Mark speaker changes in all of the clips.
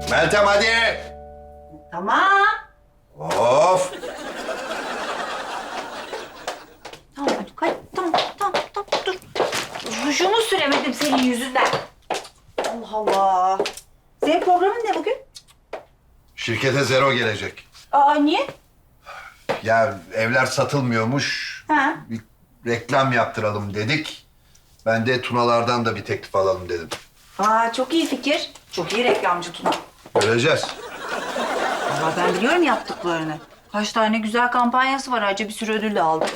Speaker 1: Meltem hadi.
Speaker 2: Tamam.
Speaker 1: Of.
Speaker 2: Tamam hadi tamam dur. Rujumu süremedim senin yüzünden. Allah Allah. Senin programın ne bugün?
Speaker 1: Şirkete zero gelecek.
Speaker 2: Aa niye?
Speaker 1: Ya evler satılmıyormuş.
Speaker 2: Ha.
Speaker 1: Bir reklam yaptıralım dedik. Ben de Tunalardan da bir teklif alalım dedim.
Speaker 2: Aa çok iyi fikir. Çok iyi reklamcı Tuna.
Speaker 1: Göreceğiz.
Speaker 2: Ama ben biliyorum yaptıklarını. Kaç tane güzel kampanyası var. Ayrıca bir sürü ödül de aldı.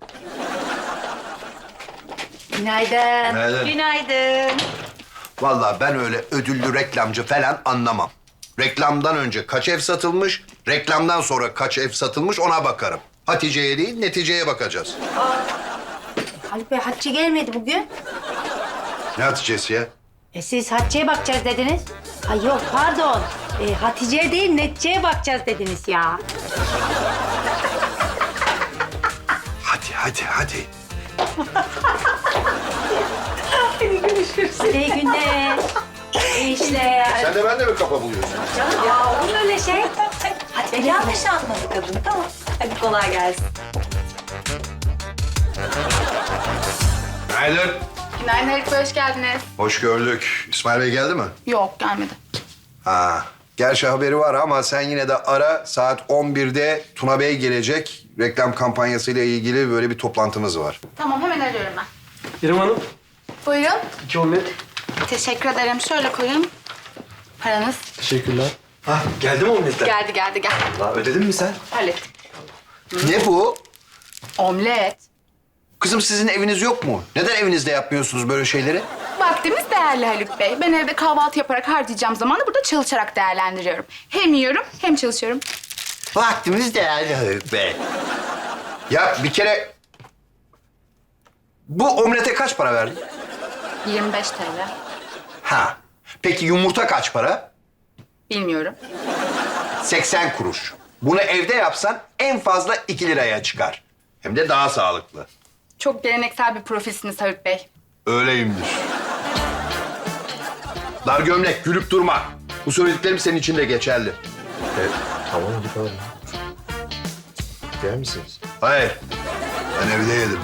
Speaker 2: Günaydın.
Speaker 1: Günaydın.
Speaker 2: Günaydın.
Speaker 1: Vallahi ben öyle ödüllü reklamcı falan anlamam. Reklamdan önce kaç ev satılmış, reklamdan sonra kaç ev satılmış ona bakarım. Hatice'ye değil, neticeye bakacağız.
Speaker 2: Haluk Bey Hatice gelmedi bugün.
Speaker 1: Ne Hatice'si ya?
Speaker 3: Siz Hatice'ye bakacağız dediniz. Ay yok pardon. Hatice'ye değil Netice'ye bakacağız dediniz ya.
Speaker 1: Hadi.
Speaker 3: İyi günler. İyi işler.
Speaker 1: Sen de ben de mi kafa buluyorsun?
Speaker 3: Canım ya olur mu öyle şey?
Speaker 2: Hadi yanlış anladı kadın. Tamam. Hadi kolay gelsin.
Speaker 1: Günaydın.
Speaker 4: Günaydın Haluk Bey, hoş geldiniz.
Speaker 1: Hoş gördük. İsmail Bey geldi mi?
Speaker 4: Yok, gelmedi.
Speaker 1: Ha. Gerçi haberi var ama sen yine de ara. Saat 11'de Tuna Bey gelecek. Reklam kampanyasıyla ilgili böyle bir toplantımız var.
Speaker 4: Tamam, hemen arıyorum ben.
Speaker 5: İrem Hanım,
Speaker 4: Buyurun.
Speaker 5: 2 omlet.
Speaker 4: Teşekkür ederim. Şöyle koyun. Paranız.
Speaker 5: Teşekkürler. Ah, geldi mi omletler?
Speaker 4: Geldi.
Speaker 5: Daha ödedin mi sen?
Speaker 4: Hallettim.
Speaker 1: Ne bu?
Speaker 4: Omlet.
Speaker 1: Kızım sizin eviniz yok mu? Neden evinizde yapmıyorsunuz böyle şeyleri?
Speaker 4: Vaktimiz değerli Haluk Bey. Ben evde kahvaltı yaparak harcayacağım zamanı burada çalışarak değerlendiriyorum. Hem yiyorum hem çalışıyorum.
Speaker 1: Vaktimiz değerli Haluk Bey. Ya bir kere... Bu omlete kaç para verdin?
Speaker 4: 25 TL.
Speaker 1: Ha. Peki yumurta kaç para?
Speaker 4: Bilmiyorum.
Speaker 1: 80 kuruş. Bunu evde yapsan en fazla 2 liraya çıkar. Hem de daha sağlıklı.
Speaker 4: Çok geleneksel bir profilsiniz Haluk Bey.
Speaker 1: Öyleyimdir. Dar gömlek, gülüp durma. Bu söylediklerim senin için de geçerli.
Speaker 5: Tamam, hadi kalın. Yer misiniz?
Speaker 1: Hayır. Ben evde yedim.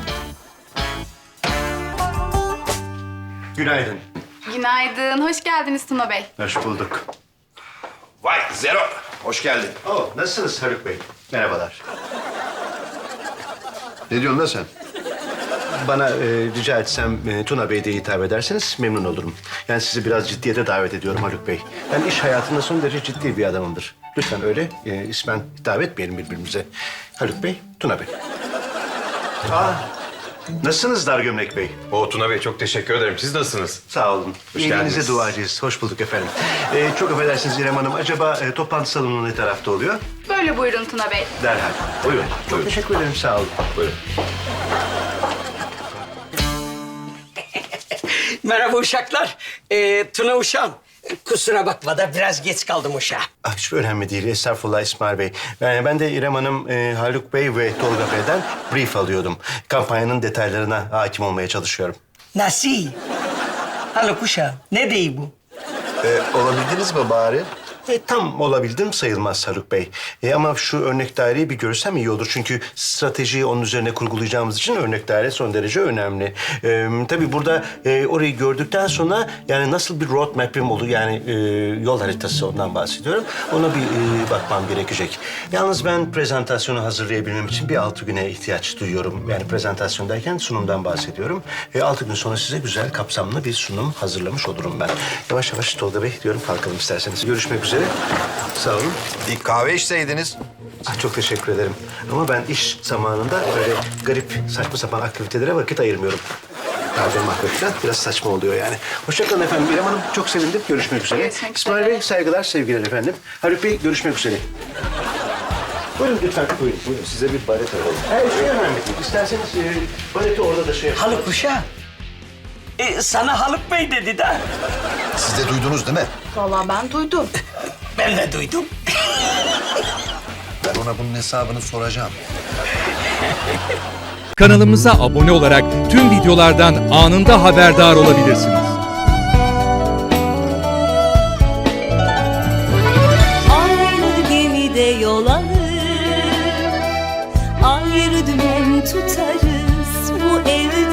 Speaker 5: Günaydın.
Speaker 4: Günaydın. Hoş geldiniz Tuna Bey.
Speaker 5: Hoş bulduk.
Speaker 1: Vay Zero. Hoş geldin.
Speaker 5: Oh, nasılsınız Haluk Bey? Merhabalar.
Speaker 1: Ne diyorsun lan sen?
Speaker 5: Bana rica etsem Tuna Bey diye hitap ederseniz memnun olurum. Yani sizi biraz ciddiyete davet ediyorum Haluk Bey. Ben iş hayatında son derece ciddi bir adamımdır. Lütfen öyle ismen hitap etmeyelim birbirimize. Haluk Bey, Tuna Bey. Nasılsınız Dar Gömlek Bey?
Speaker 6: Tuna Bey çok teşekkür ederim. Siz nasılsınız?
Speaker 5: Sağ olun. İyiliğinize
Speaker 6: geldiniz.
Speaker 5: duacıyız. Hoş bulduk efendim. Çok affedersiniz İrem Hanım. Acaba toplantı salonu ne tarafta oluyor?
Speaker 4: Böyle buyurun Tuna Bey.
Speaker 5: Derhal. Buyurun. Çok teşekkür ederim. Sağ olun. Buyurun.
Speaker 7: Merhaba uşaklar. Tuna uşağım. Kusura bakma da biraz geç kaldım uşağa.
Speaker 5: Hiç önemli değil. Estağfurullah İsmail Bey. Ben de İrem Hanım, Haluk Bey ve Tolga Bey'den brief alıyordum. Kampanyanın detaylarına hakim olmaya çalışıyorum.
Speaker 7: Nasıl? Haluk uşağım. Ne değil bu?
Speaker 1: Olabildiniz mi bari?
Speaker 5: Tam olabildim sayılmaz Haluk Bey. Ama şu örnek daireyi bir görsem iyi olur. Çünkü stratejiyi onun üzerine kurgulayacağımız için örnek daire son derece önemli. Tabii burada orayı gördükten sonra yani nasıl bir road map'im olur yani yol haritası ondan bahsediyorum. Ona bir bakmam gerekecek. Yalnız ben prezentasyonu hazırlayabilmem için bir 6 güne ihtiyaç duyuyorum. Yani prezentasyondayken sunumdan bahsediyorum. 6 gün sonra size güzel kapsamlı bir sunum hazırlamış olurum ben. Yavaş yavaş Tolga Bey diyorum kalkalım isterseniz. Görüşmek üzere. Sağ olun.
Speaker 1: Bir kahve içseydiniz.
Speaker 5: Çok teşekkür ederim. Ama ben iş zamanında böyle garip, saçma sapan aktivitelere vakit ayırmıyorum. Kahve mahvetler biraz saçma oluyor yani. Hoşça kalın efendim. İrem Hanım çok sevindim. Görüşmek üzere.
Speaker 4: Görüşmek
Speaker 5: İsmail
Speaker 4: üzere.
Speaker 5: Bey saygılar, sevgiler efendim. Haluk Bey görüşmek üzere. Buyurun lütfen. Buyurun. Size bir baret alalım. Şey önemli değil. İsterseniz bareti orada da şey yapın.
Speaker 7: Haluk uşağım. Sana Haluk Bey dedi de.
Speaker 1: Siz de duydunuz değil mi?
Speaker 4: Vallahi ben duydum.
Speaker 7: Ben de duydum.
Speaker 1: Ben ona bunun hesabını soracağım.
Speaker 8: Kanalımıza abone olarak tüm videolardan anında haberdar olabilirsiniz.
Speaker 9: dümen tutarız bu evde.